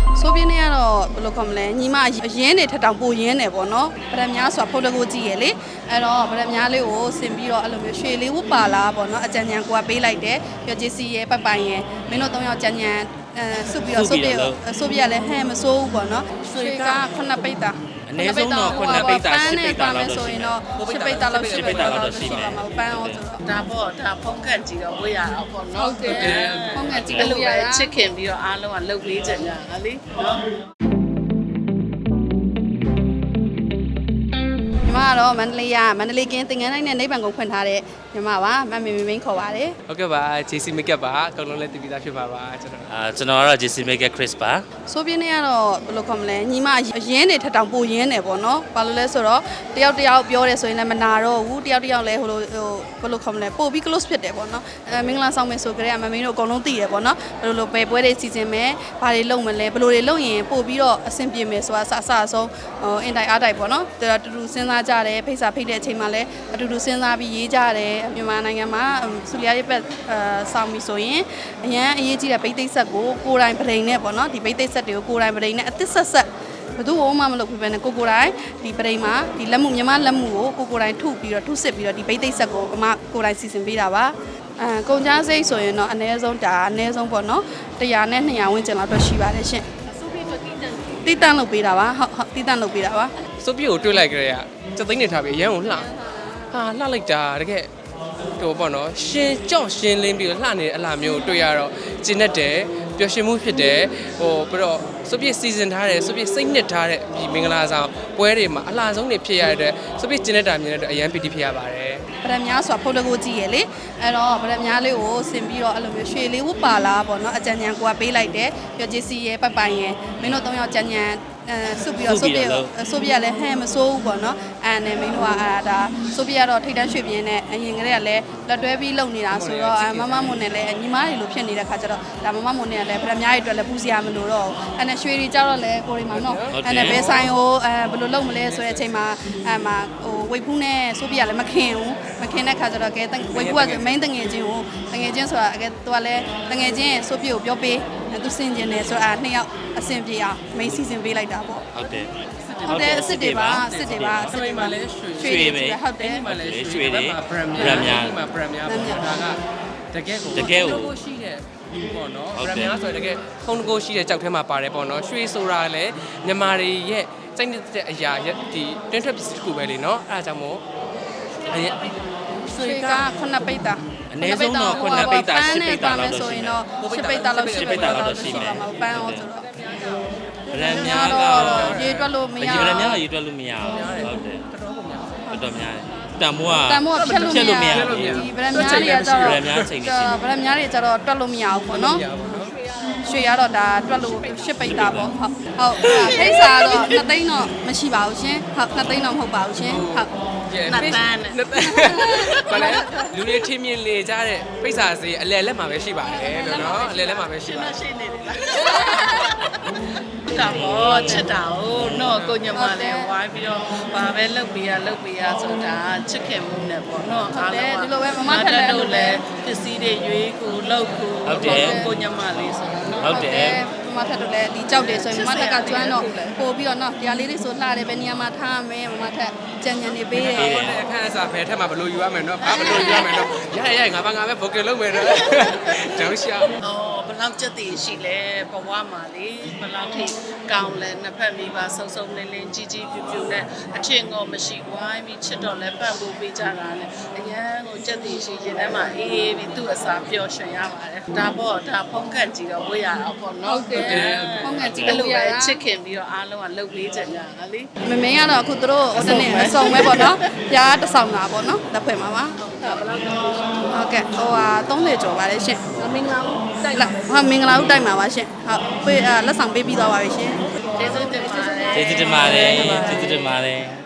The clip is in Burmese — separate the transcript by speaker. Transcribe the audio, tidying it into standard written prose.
Speaker 1: ဆိုပြင်းနေကတော့ဘယ်လိုခေါ်မလဲညီမရင်းနေထတောင်ပိုရင်းနေပေါ့နော်ဗရမများဆိုတာဖုတ်တကူကြည့်ရလေအဲ့တော့ဗရမများလေးကိုဆင်ပြီးတော့အဲ့လိုမျိုးရွှေလေးဝတ်ပါလာပေါ့နော်အကြံဉာဏ်ကိုကပေးလိုက်တယ်ပြောဂျေစီရဲ့ပိုင်ရဲ့မင်းတို့၃ယောက်ကြံဉာဏ်စုပြီးတော့ဆိုပြလည်းဟဲ့မစိုးဘူးပေါ့နော်ရွှေက9ပိတ်တာ
Speaker 2: အနည်းဆုံးတော့9ပိတ်တာ10ပိတ်တာလောက်
Speaker 1: ဆိုရင်တော့10ပိတ်တာလောက်10ပိတ်တာလောက်ရှိမှာပန်းအောင်ဆိုတော့
Speaker 3: ဒါပေါ့ဒါဖုန်းကတ်ကြည့်တော့ဝေးရအောင်ပေါ့နော်
Speaker 1: ဟုတ်တယ်ဖုန်းကတ်ကြည့်လို့ရတာ
Speaker 3: ချစ်ခင်ပြီးတော့အားလုံးကလှုပ်ပေးကြကြဟာလေနော်
Speaker 1: ညီမကတော့မန္တလေးကင်းသင်္ကန်းတိုင်းနဲ့နိဗ္ဗာန်ကိုဖွင့်ထားတဲ့ညီမပါမမေမင်းခေါ်ပါတယ်
Speaker 4: ဟုတ်ကဲ့ပါ JC Makeup ပါအကုန်လုံးလည်းတည်ပြီးသားဖြစ်ပါပါကျွန်တော်
Speaker 2: ကျွန်တော်ကတော့ JC Makeup Chris ပါ
Speaker 1: ဆိုပြင်းနေကတော့ဘယ်လိုခေါ်မလဲညီမရင်းနေထတောင်ပိုရင်းနေပေါ့နော်ဘာလို့လဲဆိုတော့တယောက်ပြောတယ်ဆိုရင်လည်းမနာတော့ဘူးတယောက်လည်းဟိုဘယ်လိုခေါ်မလဲပို့ပြီး close ဖြစ်တယ်ပေါ့နော်မင်္ဂလာဆောင်မယ်ဆိုကြတဲ့မမင်းတို့အကုန်လုံးသိတယ်ပေါ့နော်ဘယ်လိုပဲပွဲတွေစီစဉ်မယ်ဘာတွေလုပ်မလဲဘယ်လိုတွေလုပ်ရင်ပို့ပြီးတော့အဆင်ပြေမယ်ဆိုတာအစအဆုံးအင်တိုင်းအားတိုင်းပေါ့နော်တူတူစဉ်းစားကြတယ်ဖိတ်စာဖိတ်တဲ့အချိန်မှာလည်းအတူတူစဉ်းစားပြီးရေးကြတယ်မြန်မာနိုင်ငံမှာဆူလျာရေးပတ်ဆောင်ပြီဆိုရင်အရန်အရေးကြီးတဲ့ဗိတ်သိက်ဆက်ကိုကိုယ်တိုင်ပရိန်နဲ့ပေါ့နော်ဒီဗိတ်သိက်ဆက်တွေကိုကိုယ်တိုင်ပရိန်နဲ့အသစ်ဆက်ဘယ်သူမှမလုပ်ဘူးပဲနဲ့ကိုယ်တိုင်ဒီပရိန်မှာဒီလက်မှုမြန်မာလက်မှုကိုကိုယ်တိုင်ထုပြီးတော့ထုစစ်ပြီးတော့ဒီဗိတ်သိက်ဆက်ကိုအမကိုယ်တိုင်စီစဉ်ပေးတာပါကုန်ကြမ်းစိတ်ဆိုရင်တော့အနည်းဆုံးပေါ့နော်100နဲ့200ဝန်းကျင်လောက်တော့ရှိပါတယ်ရှင်တီးတန့်လုပ်ပေးတာပါဟုတ်တီးတန့်လုပ်ပေးတာပါ
Speaker 4: စုပ်ပြိုကိုတွေ့လိုက်ကြရစက်သိန်းနေထားပြီးအရန်ကိုလှလှလိုက်တာတကယ်ဟိုပေါ့နော်ရှင်းလင်းပြီးတော့လှနေတဲ့အလားမျိုးတွေ့ရတော့ကျဉ်တ်တယ်ပျော်ရွှင်မှုဖြစ်တယ်ဟိုပြီးတော့စုပ်ပြစီစဉ်ထားတယ်စုပ်ပြစိတ်နှစ်ထားတဲ့ဒီမင်္ဂလာဆောင်ပွဲတွေမှာအလားဆုံးတွေဖြစ်ရတဲ့စုပ်ပြကျဉ်တ်တာမြင်တဲ့အရန်ပီတိဖြစ်ရပါတယ်
Speaker 1: ဗရမများဆိုတာဖုတ်တကူကြည့်ရလေအဲ့တော့ဗရမများလေးကိုဆင်ပြီးတော့အဲ့လိုမျိုးရွှေလေးဝတ်ပါလာပေါ့နော်အကြံဉာဏ်ကိုကပေးလိုက်တယ်ပြောဂျေစီရဲ့ပိုင်ရဲ့မင်းတို့၃ယောက်ကြံဉာဏ်စုပြီးတော့ဆိုပြလည်းဟဲ့မစိုးဘူးပေါ့နော်အဲ့နဲ့မင်းတို့ကဒါဆိုပြတော့ထိတ်တန်းရွှေပြင်းနဲ့အရင်ကတည်းကလည်းလက်တွဲပြီးလုပ်နေတာဆိုတော့မမမွန်နဲ့လည်းညီမတွေလိုဖြစ်နေတဲ့ခါကျတော့ဒါမမမွန်နဲ့လည်းဗရမများတွေအတွက်လည်းပူစရာမလိုတော့အဲ့နဲ့ရွှေတွေကြတော့လည်းကိုရီမှာနော်အဲ့နဲ့ဘယ်ဆိုင်ကိုဘယ်လိုလုပ်မလဲဆိုတဲ့အချိန်မှာမှာဟိုဝိတ်ဖူးနဲ့ဆိုပြလည်းမခင်တဲ့ခါကျတော့ကဲဝိတ်ဖူးက main တငယ်ချင်းဆိုတာကဲသူကလည်းတငယ်ချင်းဆိုပြကိုပြောပေးသူစင်ကျင်တယ်ဆိုတော့နှစ်ယောက်အဆင်ပြေအောင် main season ပေးလိုက်တာပေါ့
Speaker 2: ဟုတ်တယ်
Speaker 1: အစ်စ်တွေပါ
Speaker 4: လည်း
Speaker 2: ရွှေပဲ
Speaker 1: ဟုတ်တယ်
Speaker 2: ရွှေတွေ
Speaker 4: ဗရမ်များဒါကတကယ်ကိုရှိတဲ့ပေါ့နော်ဗရမ်များဆိုတကယ်ခုံတကိုရှိတဲ့ကြောက်ထဲမှာပါတယ်ပေါ့နော်ရွှေဆိုတာလည်းမြန်မာတွေရဲ့စိတ်တဲ့အရာဒီတွင်းထွက်ပစ္စည်းတစ်ခုပဲလေနော်အဲ့ဒါကြောင့်မို့
Speaker 1: ရွှေက9ပိတ်တာ
Speaker 2: အနည်းဆုံးတော့9ပိတ်တာ10ပိတ်တာလောက်
Speaker 1: ဆိုရင်တော့10ပိတ်တာလောက်ရှိမှာပန်းအောင်ဆိုတော့
Speaker 2: ဗရမ်များကတော့
Speaker 1: ရေတွက်လို့မရ
Speaker 2: ဗရမ်များကရေတွက်လို့မရဘူးဟုတ်တယ်တော်တော်များတယ်တန်မိုးက
Speaker 1: ဖြတ်လို့မရဘူးဒီဗရမ်များတွေကတော့
Speaker 2: ဗရမ်များချိန်နေရှိ
Speaker 1: ဗရမ်များတွေကျတော့တွက်လို့မရဘူးပေါ့နော်ရွှေရတော့ဒါတွက်လို့10ပိတ်တာပေါ့ဟုတ်ဖိတ်စာတော့2သိန်းတော့မရှိပါဘူးရှင်ဟုတ်2သိန်းတော့မဟုတ်ပါဘူးရှင်ဟုတ်
Speaker 3: နှစ်ပန်း
Speaker 4: ဘာလဲလူတွေထင်းမြင်လေကြတဲ့ပိတ်စာစေးအလဲလက်မှာပဲရှိပါတယ်လို့နော်အလဲလက်မှာပဲရှိပါတယ်
Speaker 3: ရှိနေတယ်ဒါပေါ့ချစ်တာကိုတော့ကိုညမလည်းဝိုင်းပြီးတော့ဘာပဲလုပ်ပေးရဆိုတာချစ်ခင်မှုနဲ့ပေါ့နော်
Speaker 1: အားလုံးဒီလိုပဲမမထက်
Speaker 3: လို့လည်းပစ္စည်းတွေရွေးကိုလုပ်ကိုညမလေးဆို
Speaker 2: ဟုတ်တယ်
Speaker 1: မမထက်တို့လည်းဒီကြောက်တယ်ဆိုရင်မမထက်ကကျွမ်းတော့ပို့ပြီးတော့နော်တရားလေးတွေဆိုလှတယ်ပဲနေရာမှာထားရမယ်မမထက်ကြံနေပေးတယ်
Speaker 4: အခန်းအစားဘယ်ထက်မှဘလို့ယူရမယ်နော်ဘာဘလို့ယူရမယ်နော်ရငါပဲဘိုကယ်လုပ်မယ်နော်တောင်းရှာ
Speaker 3: ဘယ်လောက်ကြက်တည်ရှိလဲဘဝမှာလေဘယ်လောက်ထိကောင်းလဲနှစ်ဖက်မိပါစုံလင်းကြီးပြူနဲ့အထင်ကိုမရှိဝိုင်းပြီးချစ်တော့လဲပတ်ဖို့ပေးကြတာလေအရန်ကိုကြက်တည်ရှိရင်ထဲမှာအေးပြီးသူ့အစာပျော်ရွှင်ရပါတယ်ဒါပေါ့ဒါဖုန်းကတ်ကြည့်တော့ဝေးရအောင်ပေါ့နော်
Speaker 1: ဟုတ်တယ်ဖုန်းကတ်ကြည့်လို့ရတာ
Speaker 3: ချစ်ခင်ပြီးတော့အားလုံးကလှုပ်ပေးကြတာလေ
Speaker 1: မမင်းကတော့အခုတို့တနေ့အစုံပဲပေါ့နော်ပြားတစ်ဆောင်တာပေါ့နော်လက်ဖွဲ့မှာပါဟုတ်ကဲ့ဟိုဟာ30ကျော်ပါတယ်ရှင်
Speaker 3: မင်္ဂလာဦး
Speaker 1: တိုက်လာဟာမင်္ဂလာဦးတိုက်မှာပါရှင်ဟုတ်ပေးလက်ဆောင်ပေးပြီးသွားပါပြီရှင်
Speaker 3: ကျေးဇူးတင်ပါတယ်
Speaker 2: ကျေးဇူးတင်ပါတယ်